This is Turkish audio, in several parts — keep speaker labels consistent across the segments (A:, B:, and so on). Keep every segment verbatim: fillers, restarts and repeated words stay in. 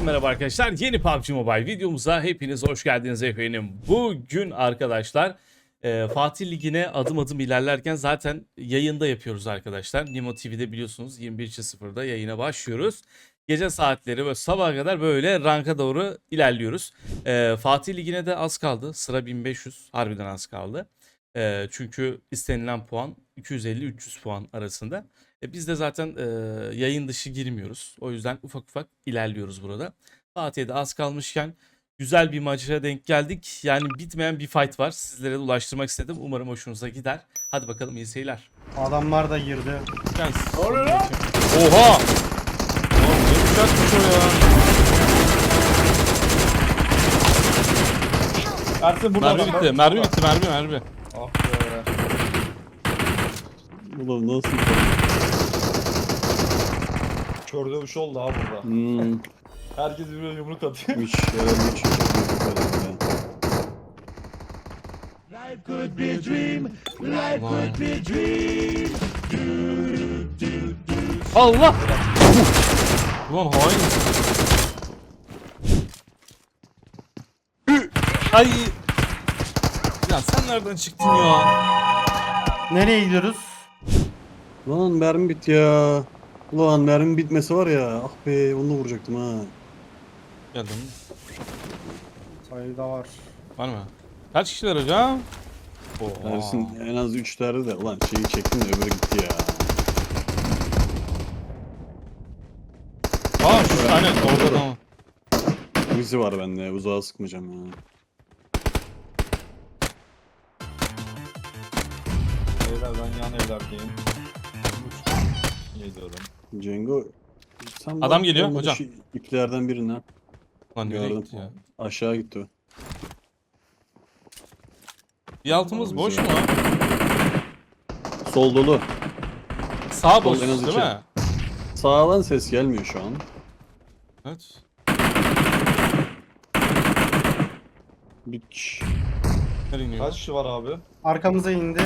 A: merhaba arkadaşlar. Yeni P U B G Mobile videomuza hepiniz hoş geldiniz efendim. Bugün arkadaşlar e, Fatih Ligi'ne adım adım ilerlerken zaten yayında yapıyoruz arkadaşlar. Nimo T V'de biliyorsunuz yirmi bir sıfırda yayına başlıyoruz. Gece saatleri ve sabaha kadar böyle ranka doğru ilerliyoruz. E, Fatih Ligi'ne de az kaldı. Sıra bin beş yüz, harbiden az kaldı. E, çünkü istenilen puan iki yüz elli üç yüz puan arasında. E biz de zaten e, yayın dışı girmiyoruz. O yüzden ufak ufak ilerliyoruz burada. Fatih'e de az kalmışken güzel bir maça denk geldik. Yani bitmeyen bir fight var. Sizlere de ulaştırmak istedim. Umarım hoşunuza gider. Hadi bakalım, iyi seyirler.
B: Adamlar da girdi.
A: Ne oluyor lan? Oha! Oğlum ne uçakmış o ya?
C: Ersin burada
A: Mermi bitti, mermi bitti, mermi mermi.
C: Ah be.
D: Ulan nasıl?
C: Kör dövüş oldu ha burada.
D: Hmm.
C: Herkes birbirine yumruk atıyor.
D: Üç, herhalde üç.
A: Allah! Ulan hain. Ay! Ya sen nereden çıktın ya?
B: Nereye gidiyoruz?
D: Lan mermi bitti ya. Ulan mermi bitmesi var ya. Ah be onu da vuracaktım ha.
A: Geldim.
B: Sayıda var.
A: Var mı? Kaç kişiler hocam? Oha.
D: Ersin en az üç tane de. Ulan şeyi çektim de öbürü gitti ya.
A: Aa şu tane orada da mı?
D: Uzi var bende. Uzağa sıkmayacağım ya.
C: Beyler ben yan evlerdeyim. Yediyorum.
D: Cengo. Sen
A: Adam
D: bak,
A: geliyor,
D: olmadı
A: hocam.
D: şu İplerden birinden.
A: Lan nereye
D: Gördüm.
A: gitti ya?
D: Aşağı gitti o.
A: Bir altımız
D: Abi
A: boş
D: bize-
A: mu?
D: Sol dolu.
A: Sağ
D: Sol
A: boş
D: en az
A: değil
D: iki.
A: mi?
D: Sağdan ses gelmiyor şu an.
A: Evet.
D: Bir...
A: Nereye iniyor?
C: Kaç kişi var abi?
B: Arkamıza indi.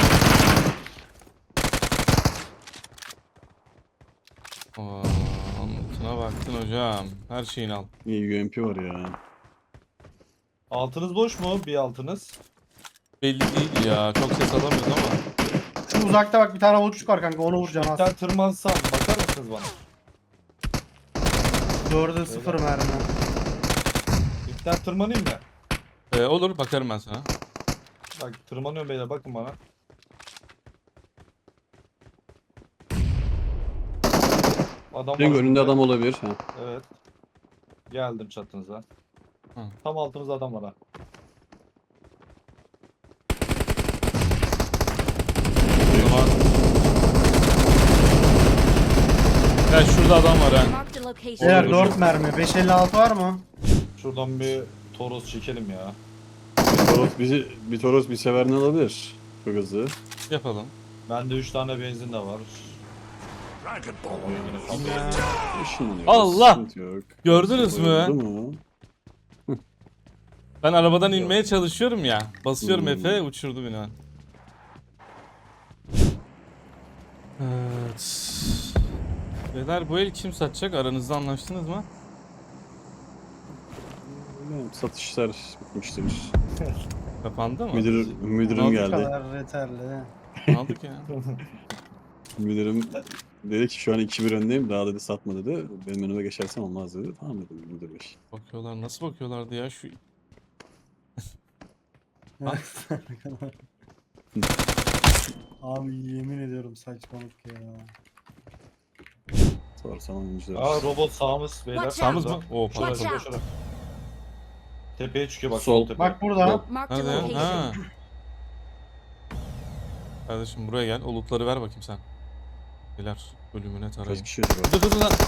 A: Aa, anlatına baktın hocam. Her şeyini al.
D: İyi U M P var ya.
C: Altınız boş mu? Bir altınız.
A: Belli değil ya. Çok ses alamıyoruz ama.
B: Şu uzakta bak bir tane avuçluk var kanka, onu vuracaksın
C: Sen
B: az.
C: tırmansam bakar mısınız bana?
B: Dörde sıfır mermi.
C: İpten tırmanayım mı?
A: Ee, olur, bakarım ben sana.
C: Bak tırmanıyorum beyler, bakın bana. Adam
D: Cengo
C: var
D: önünde
C: önümde.
D: adam olabilir. Ha.
C: Evet. Geldim çatınıza.
A: Hı.
C: Tam altımızda adam var ha.
A: O zaman... Ya şurada adam var ha.
E: Marked a location.
B: Beyler
A: Olur,
B: dört
A: olur.
B: mermi. beş elli altı var mı?
C: Şuradan bir toros çekelim ya.
D: Toros bizi bir Toros bir severini alabilir. Çok hızlı.
A: Yapalım.
C: Bende üç tane benzin de var. Oy, yine kaldı.
D: Işınlanıyor.
A: Allah!
D: Sıkıntı yok.
A: Gördünüz mü?
D: Oldu mu?
A: Ben arabadan inmeye çalışıyorum ya. Basıyorum
D: Hmm.
A: Efe, uçurdu beni hemen. Evet. Beyler bu el kim satacak? Aranızda anlaştınız mı?
D: Bilmiyorum, satışlar bitmiştir.
A: Kapandı mı?
D: Müdür, müdürüm
A: Aldık
B: Bu
D: geldi.
B: kadar yeterli.
A: Aldık ya.
D: Müdürüm dedi ki şu an iki bir öndeyim. Daha dedi satma dedi. Benim önüme geçersen olmaz dedi. Tamam dedim müdür bey.
A: Bakıyorlar, nasıl bakıyorlardı ya şu...
B: Abi yemin ediyorum saçmalık ya.
D: Sorsan oyuncular.
C: Aa robot sağımız beyler.
E: Watch
A: Sağımız mı?
E: out.
A: Oo
C: Şurada,
E: Watch
A: pardon.
C: şurada,
E: out.
C: şurada. Tepeye çıkıyor bak.
D: Sol.
C: Sol tepe.
B: Bak burada.
D: Yok.
E: Marked a
A: Nerede ya?
E: location.
A: Ha. Kardeşim buraya gel. O lootları ver bakayım sen. Beyler ölümüne
D: Kaç
A: tarayın.
D: kişi acaba?
A: Dur dur dur lan.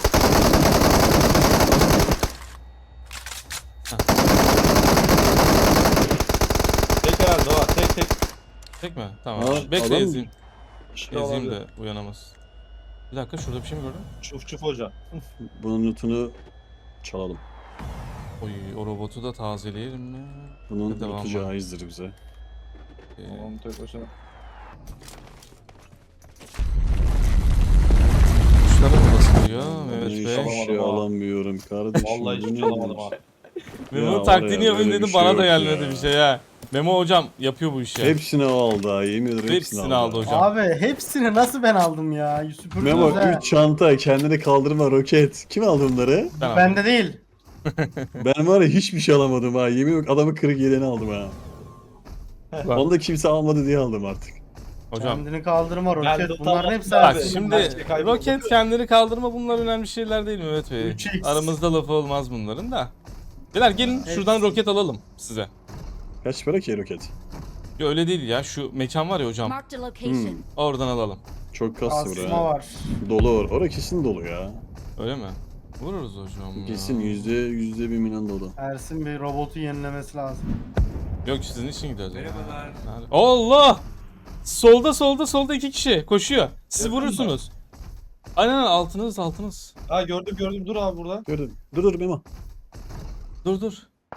C: Tek herhalde o. Tek tek.
A: Tek mi? Tamam.
D: Aa,
A: Bekle
D: adam-
A: ezeyim.
C: İşte
A: Ezeyim
C: olabilir.
A: de uyanamaz. Bir dakika, şurada bir şey mi gördün?
C: Çuf çuf hoca.
D: Bunun lootunu çalalım.
A: Oy, o robotu da tazeleyelim mi?
D: Bunun
A: Devam
D: lootu
A: var.
D: caizdir bize.
A: Ee,
C: Tamam tek başına.
A: Kuşlara mı basılıyor? Evet. Evet
D: hiç
A: be.
D: şey
C: Alamadım ha.
D: alamıyorum kardeşim.
C: Vallahi
D: bu
C: hiçbir şey
D: ne
C: alamadım
D: demek?
C: ha.
A: Memo'nun
D: Ya
A: taktiğini
D: var ya,
A: yapın
D: böyle
A: dedim
D: bir
A: bana
D: şey
A: da
D: yok
A: gelmedi
D: ya.
A: bir şey ha. Memo hocam yapıyor bu işi.
D: Hepsini o aldı ha, yemin ederim hepsini,
A: Hepsini aldı
D: aldı.
A: hocam.
B: Abi hepsini nasıl ben aldım ya? Süpürdünüz
D: Memo
B: ha.
D: üç çanta, kendine kaldırma, roket. Kim aldı bunları?
A: Ben aldım.
B: Bende değil.
D: Ben var ya hiçbir şey alamadım ha. Yemin yok, adamı kırık yeleğini aldım ha.
A: Lan,
D: Onu da kimse almadı diye aldım artık.
A: hocam.
B: Kendini kaldırma
C: Ben
B: roket.
C: de
B: Bunların
C: tamam.
B: hepsi
A: Bak
C: Abi,
A: şimdi
C: her şey kayboldu.
A: roket kendini kaldırma bunlar önemli şeyler değil Mehmet Bey.
B: üç x.
A: Aramızda lafı olmaz bunların da. Beyler gelin şuradan
B: Hepsi.
A: roket alalım size.
D: Kaç para ki roket?
A: Ya öyle değil ya şu mekan var ya hocam.
E: Marked a location.
D: Hmm,
A: Oradan alalım.
D: çok kastı
B: Asma
D: buraya.
B: var.
D: Dolu or. Orada kesin dolu ya.
A: Öyle mi? Vururuz hocam ya.
D: Kesin yüzde yüzde bir milyon dolu.
B: Ersin bir robotu yenilemesi lazım.
A: Yok sizin için gidiyoruz. Merhabalar. Allah! Solda solda solda iki kişi koşuyor. Siz
C: Yakın
A: vurursunuz. Aynen aynen, altınız altınız.
C: Ha gördüm gördüm dur abi burada.
D: Gördün. Dur dur Memo.
A: Dur dur.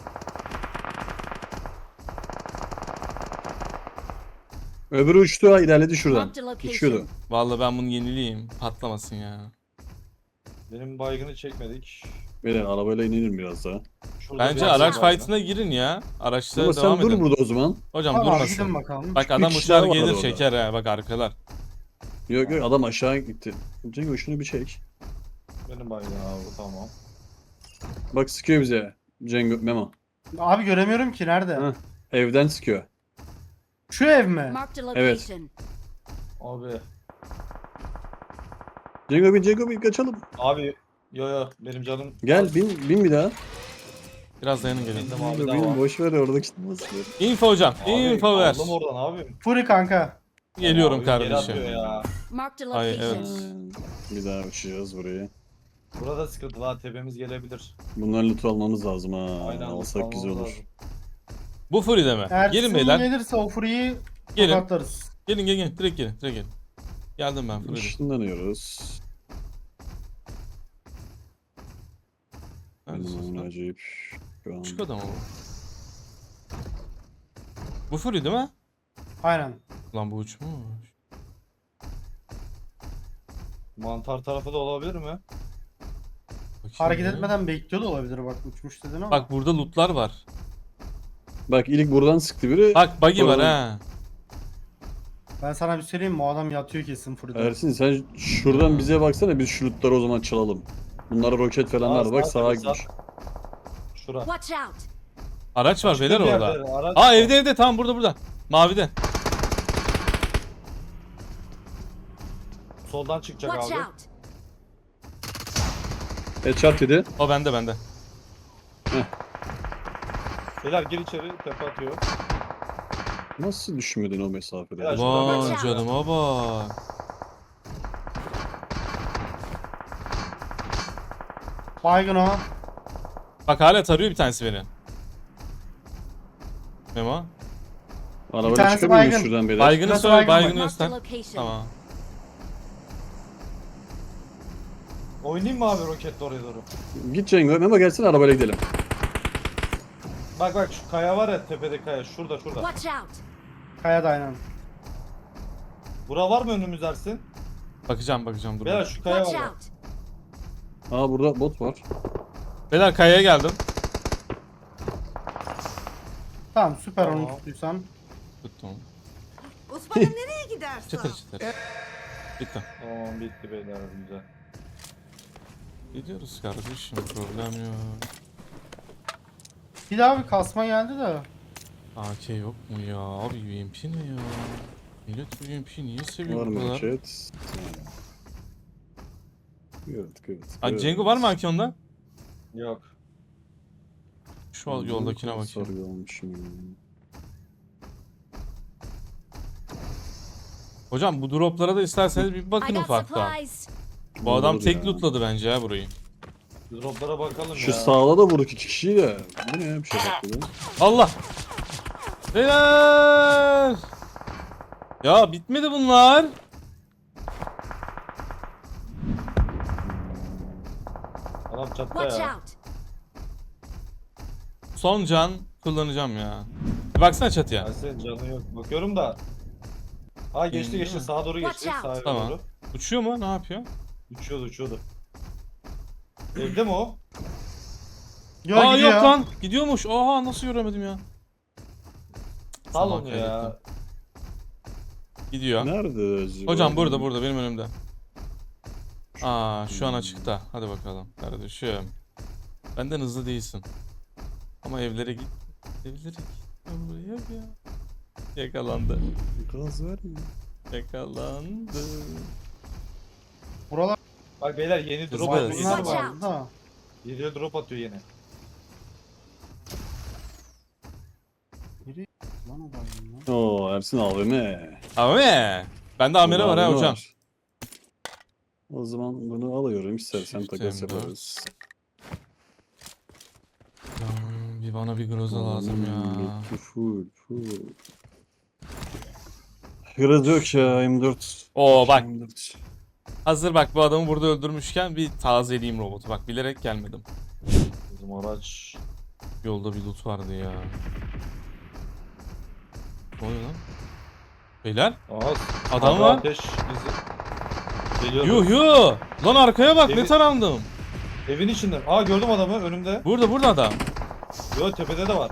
D: Öbürü uçtu ha, ilerledi şuradan.
E: Marked a location.
D: Uçuyordu.
A: Vallahi ben bunu yenileyim. Patlamasın ya.
C: Benim baygını çekmedik.
D: Beyler arabayla inelim biraz daha.
C: Şurada
A: Bence
C: bir
A: araç
C: var.
A: fight'ına girin ya. Araçta
D: Ama
A: devam
D: sen dur
A: edin.
D: burada o zaman.
A: Hocam
B: Tamam
A: durmasın.
B: gidin bakalım.
A: Bak
D: Bir
A: adam
D: kişi
A: uçar
D: daha var
A: gelir
D: orada.
A: çeker ha bak arkalar.
D: Yok yok, adam aşağı gitti. Cengo şunu bir çek.
C: Benim baygın abi tamam.
D: Bak sıkıyor bize. Cengo Memo.
B: Abi göremiyorum ki nerede?
D: Hı. Evden sıkıyor.
B: Şu ev mi?
E: Marked a
D: Evet.
E: location.
C: Abi.
D: Cengo bin Cengo bin kaçalım.
C: Abi yo yo benim canım.
D: Gel bin bin bir daha.
A: Biraz dayanın gelin.
C: Bindim abi
D: Cengo
C: daha
D: bin
C: var.
D: boş ver orada gitmez.
A: Info hocam.
C: Abi,
A: Info ver.
C: aldım oradan abi.
B: Furi kanka.
A: Geliyorum
C: Abi, geri
A: kardeşim.
C: atıyor ya.
E: Marked a
A: Ay,
E: location.
A: evet.
D: Bir daha uçacağız buraya.
C: Burada sıkıntı var tepemiz gelebilir.
D: Bunların loot'u almamız lazım ha.
C: Aynen,
D: Alsak güzel
C: almamız
D: olur.
C: lazım.
A: Bu Furi'de mi?
B: Ersin
A: Gelin beyler.
B: gelirse o Furi'yi
A: Gelin.
B: tokatlarız.
A: Gelin gelin gelin. Direkt gelin. Direkt gelin. Geldim ben Furi'de.
D: Işınlanıyoruz.
A: Neredesiniz
D: Benim
A: lan?
D: acayip. Şu an.
A: Küçük adam o. Bu Fury değil mi?
B: Aynen.
A: Lan bu uçmuş.
C: Mantar tarafı da olabilir mi?
A: Bakayım
B: Hareket
A: ya.
B: etmeden bekliyor da olabilir bak uçmuş dedin ama.
A: Bak burada lootlar var.
D: Bak ilk buradan sıktı biri.
A: Bak buggy var
D: Oradan-
A: ha.
B: Ben sana bir söyleyeyim mi? O adam yatıyor kesin Furi'de.
D: Ersin sen şuradan bize baksana, biz şu lootları o zaman çalalım. Bunlara roket falan
C: Aa,
D: var, bak
C: sağ
D: sağa
C: tabii,
D: gitmiş.
C: Şura.
E: Watch out.
A: Araç var beyler
C: Bir
A: orada.
C: yerde araç
A: Aa
C: var.
A: evde evde tamam burada burada. Mavide.
C: Soldan çıkacak
E: Watch
C: abi.
E: out.
D: Headshot yedi.
A: O bende bende.
C: Beyler gir içeri tepe atıyor.
D: Nasıl düşmedin o mesafede?
C: Ya,
A: Vay
E: Watch out.
A: canıma bak.
B: Baygın o.
A: Bak hala tarıyor bir tanesi beni. Memo.
B: Bir
D: Arabayla
B: tanesi
D: çıkamıyor muyuz
B: baygın.
D: şuradan beyler?
A: Baygını
B: Biraz
A: söyle
B: baygın var.
A: baygını
E: Marked a
A: göster.
E: location.
A: Tamam.
C: Oynayayım mı abi roketle oraya doğru?
D: Git Cengo, Memo gelsene arabayla gidelim.
C: Bak bak şu kaya var ya tepede kaya şurada şurada.
E: Watch out.
B: Kaya da aynen.
C: Bura var mı önümüz Ersin?
A: Bakacağım bakacağım dur.
C: Beyler şu kaya
E: Watch
C: var.
E: out.
D: Aa burada bot var.
A: Beyler kayaya geldim.
B: Tamam süper
C: Tamam.
B: onu tuttuysan.
A: Tuttum.
F: Osman'ım nereye gidersin?
A: Çıtır çıtır. Bitti.
C: Tamam bitti beyler güzel.
A: Gidiyoruz kardeşim problem yok.
B: Bir daha bir kasma geldi de.
A: A K yok mu ya? Abi U M P ne ya? Millet bu U M P'yi niye seviyor
D: Var
A: bu
D: mı
A: kadar?
D: roket? Evet, evet.
A: Aa,
D: evet.
A: Cengo var mı A K onda?
C: Yok.
A: Şu al- yoldakine bakayım.
D: Sarıyormuşum.
A: Hocam bu droplara da isterseniz bir
E: I
A: bakın
E: got
A: ufaktan.
E: supplies.
A: Bu adam
D: Olur
A: tek
D: ya.
A: lootladı bence ya burayı.
C: Droplara bakalım
D: Şu
C: ya.
D: sağda da vurduk iki kişiyi de. Bu ne ya, bir şey patladı.
A: Allah! Beyler! Ya bitmedi bunlar.
C: Adam çattı
E: Watch
C: ya.
E: out.
A: Son can kullanacağım ya. Bir baksana çatıya.
C: Ersin canı yok. Bakıyorum da. Ha geçti
A: Değil
C: geçti
A: mi?
C: sağa doğru geçti.
E: Watch out.
C: Sağa
A: Tamam.
C: doğru.
A: Uçuyor mu? Ne yapıyor?
C: Uçuyordu uçuyordu. Evde mi o?
B: Yo,
A: Aa
B: gidiyor.
A: yok lan. Gidiyormuş. Oha nasıl göremedim ya.
C: Sal
A: Zaman
C: onu ya.
A: kaybettim. Gidiyor.
D: Nerede acaba?
A: Hocam burada burada benim önümde. Aa şu an açıkta. Hadi bakalım kardeşim. Benden hızlı değilsin. Ama evlere git. Evlere git. Buraya ya. Yakalandı.
D: Gaz vermiyor.
A: Yakalandı.
B: Buralar
C: Bak beyler yeni drop
A: Hızlı
C: atıyor.
A: hız.
C: Yeni
B: bunlar
C: drop
F: Watch
C: var.
F: out.
B: vardı da.
C: Geliyor drop atıyor yeni.
B: Biri lan o baygın lan.
D: Oo Ersin A V M.
A: Abi. Bende amire var ha
D: A V M
A: hocam.
D: var. O zaman bunu alıyorum. İstersen
A: Shift
D: takas
A: M dört.
D: yaparız.
A: Hmm, Bir bana bir groza lazım ya.
D: Hmm, Full full. Biraz yok ya M dört.
A: Oo bak.
D: M dört.
A: Hazır bak bu adamı burada öldürmüşken bir tazeleyeyim robotu. Bak bilerek gelmedim.
C: Bizim araç.
A: Yolda bir loot vardı ya. Ne oluyor lan? Beyler
C: Aa,
A: adam
C: abi
A: var.
C: Ateş bizi. Geliyor.
A: Yuh yuh. Lan arkaya bak ne
C: Evi-
A: tarandım.
C: Evin içinde. Aa gördüm adamı önümde.
A: Burada burada adam.
C: Yo tepede de var.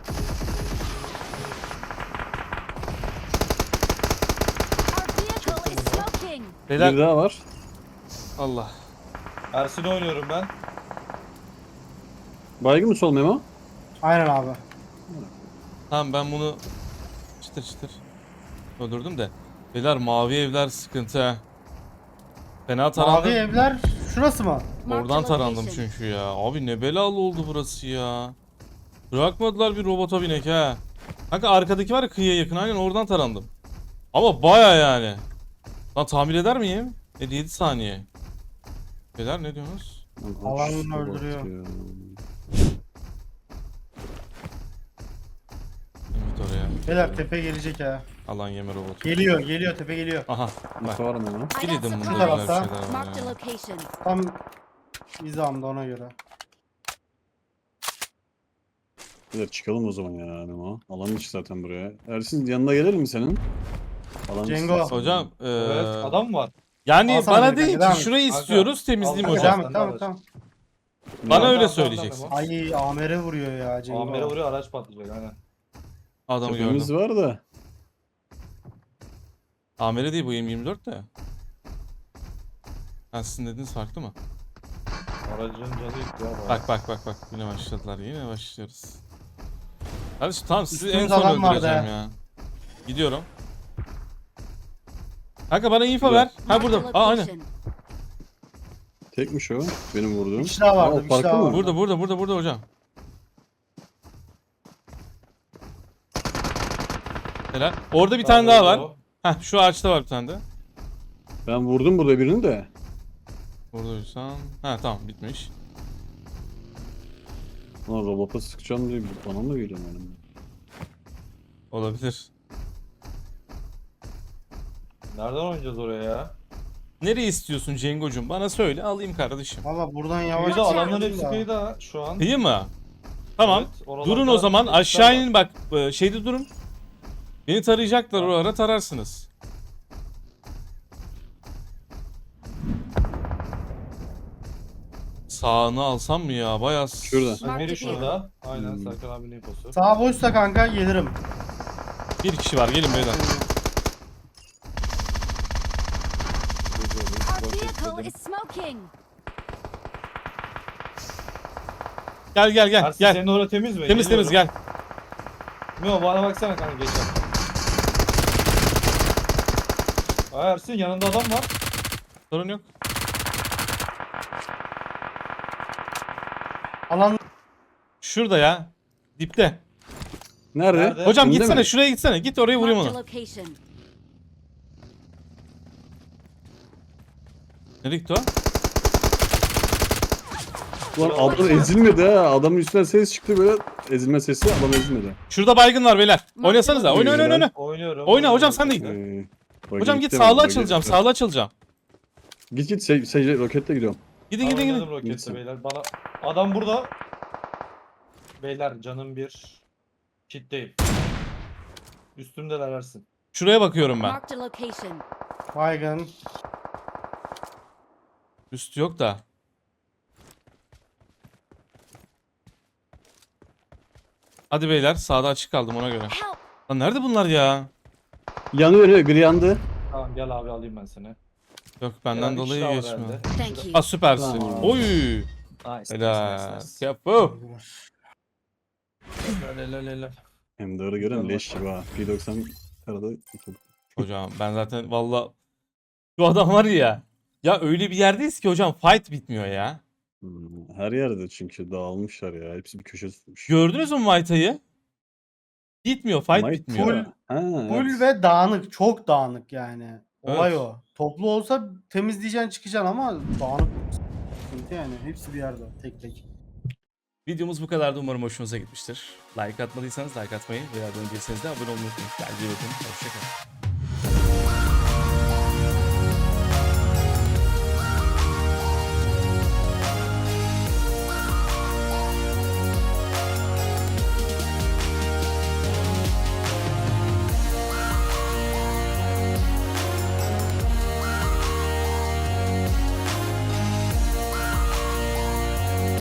F: Our vehicle is smoking.
A: Beyler
D: Bir daha var.
A: Allah.
C: Ersin'i oynuyorum ben.
D: Baygın mı sol Memo?
B: Aynen abi.
A: Tamam ben bunu çıtır çıtır öldürdüm de. Beyler mavi evler sıkıntı ha. Fena
B: Mavi
A: tarandım.
B: evler şurası mı?
F: Marked
A: Oradan
F: a
A: tarandım
F: location.
A: çünkü ya. Abi ne belalı oldu burası ya. Bırakmadılar bir robota binek ha. Kanka arkadaki var ya kıyıya yakın aynen oradan tarandım. Ama baya yani. Lan tamir eder miyim? elli yedi saniye. Beyler ne diyorsunuz?
D: Lan aç
B: Alanını
D: şuna bak
B: öldürüyor.
D: ya.
A: Evet oraya.
B: Beyler tepe gelecek ha.
A: Alan yeme robotu.
B: Geliyor geliyor tepe geliyor.
A: Aha bak.
D: Info var mı Memo?
F: I got
A: Biliyordum bunda
F: supplies.
A: böyle bir şeyler var
F: Marked a
A: ya.
F: location.
B: Tam hizamda ona göre.
D: Beyler çıkalım o zaman ya Memo. Alan içi zaten buraya. Ersin yanına gelir mi senin? Alan içi
B: Cengo.
D: zaten.
A: Hocam eee
C: Evet adam mı var?
A: yani
B: Alsana
A: bana
B: beni
A: değil
B: kanka,
A: ki
B: devam
A: şurayı
C: et.
A: istiyoruz temizleyeyim
C: Al,
A: hocam.
C: al.
B: Tamam tamam tamam.
A: Bana
C: Tamam,
A: öyle
C: tamam,
A: söyleyeceksin.
C: tamam.
B: Ay Amer'e vuruyor ya Cengo.
C: Amire vuruyor araç patlayacak aynen.
A: Adamı
D: Tepemiz
A: gördüm.
D: var da.
A: Amire değil bu M yirmi dört de. Ha sizin dediğiniz farklı mı?
C: Aracın canı gitti ya. bayağı.
A: Bak bak bak bak yine başladılar yine başlıyoruz. Kardeşim tamam sizi en
B: Üstümüzde
A: son
B: adam vardı
A: öldüreceğim
B: ha.
A: ya. Gidiyorum. Kanka bana info
D: Güzel.
A: ver. Ha
F: Marked a
A: burada. Aa aynen.
F: location.
D: Tekmiş o. Benim vurduğum.
B: Bir kişi daha vardı,
D: Aa,
B: bir kişi
D: farklı
B: daha
D: mı?
B: vardı.
A: Burada burada burada burada hocam. Helal. Orada bir tane daha var.
C: o.
A: Heh şu ağaçta var bir tane de.
D: Ben vurdum burada birini de.
A: Buradaysan. Ha tamam bitmiş.
D: Lan robota sıkacağım diye bana mı geliyor benim?
A: Olabilir.
C: Nereden oynayacağız oraya ya?
A: Nereye istiyorsun Cengo'cum? Bana söyle alayım kardeşim.
B: Valla buradan yavaş.
C: Kıyıda adamların
B: çıkıyoruz
C: hepsi
B: da.
C: kıyıda şu an.
A: İyi mi? Tamam.
C: Evet, oralarda
A: Durun o zaman
C: ekipler
A: aşağı
C: var.
A: inin bak e, şeyde durun. Beni tarayacaklar o ara tararsınız. Sağını alsam mı ya? Bayağı s-
D: Şurada.
C: Emiri şurada. Aynen
D: Hmm.
C: Serkan abinin infosu.
B: Sağ boşsa kanka gelirim.
A: Bir kişi var gelin beyler.
F: Our vehicle is smoking.
A: Gel gel gel
C: Ersin
A: gel.
C: senin orada temiz mi?
A: Temiz temiz
C: Geliyorum.
A: gel.
C: Mio bana baksana kanka geçer. Aa Ersin yanında adam var.
A: Sorun yok.
B: Alan
A: Şurada ya. Dipte.
D: Nerede?
C: Nerede?
A: Hocam
D: Önde
A: gitsene
D: mi?
A: şuraya gitsene. Git oraya vurayım
F: Marked a
A: onu.
F: location.
A: Nereye gitti o?
D: Lan adam ezilmedi ha. Adamın üstünden ses çıktı böyle. Ezilme sesi adam ezilmedi.
A: Şurada baygın var beyler. Oynasanıza. Oyna oyna oyna. oyna.
C: Oynuyorum.
A: Oyna hocam, sen de git.
D: Ee, bak
A: Hocam git
D: gitti
A: sağlı
D: bak,
A: açılacağım.
D: bak.
A: Sağlı açılacağım.
D: Git git se se roketle gidiyorum.
A: Gidin gidin
C: Oynadım
A: gidin.
C: rokette
D: Gitsin.
C: beyler. Bana adam burada. Beyler canım bir. Kitleyim. Üstümdeler Ersin.
A: Şuraya bakıyorum ben.
F: Marked a location.
B: baygın.
A: Üstü yok da. Hadi beyler sağda açık kaldım ona göre.
F: Help!
A: Lan nerede bunlar ya?
D: Yanıyor yanıyor gri yandı.
C: Tamam gel abi alayım ben seni.
A: Yok benden
C: Gel abi,
A: dolayı
C: üç daha var
A: geçmiyor.
C: herhalde.
F: Thank you.
A: Aa süpersin.
B: Tamam.
A: Oy.
C: Nice, nice,
A: Helal.
C: nice, nice.
A: Kapı.
C: Helal, helal, helal.
D: Hem de öyle gören leş gibi ha. P doksan arada yıkıldı.
A: Hocam ben zaten valla şu adam var ya. Ya öyle bir yerdeyiz ki hocam fight bitmiyor ya.
D: Hmm, her yerde çünkü dağılmışlar ya. Hepsi bir köşe tutmuş.
A: Gördünüz mü Mayta'yı? Bitmiyor fight
D: Might
A: bitmiyor.
B: Full-
D: ya. Ha,
B: Full
D: evet.
B: ve dağınık. Çok dağınık yani. Olay
A: Evet.
B: o. Toplu olsa temizleyeceksin çıkacaksın ama dağınık. Sıkıntı yani. Hepsi bir yerde. Tek tek.
A: Videomuz bu kadardı. Umarım hoşunuza gitmiştir. Like atmadıysanız like atmayı veya abone değilseniz de abone olmayı unutmayın. Kendinize iyi bakın. Hoşçakalın.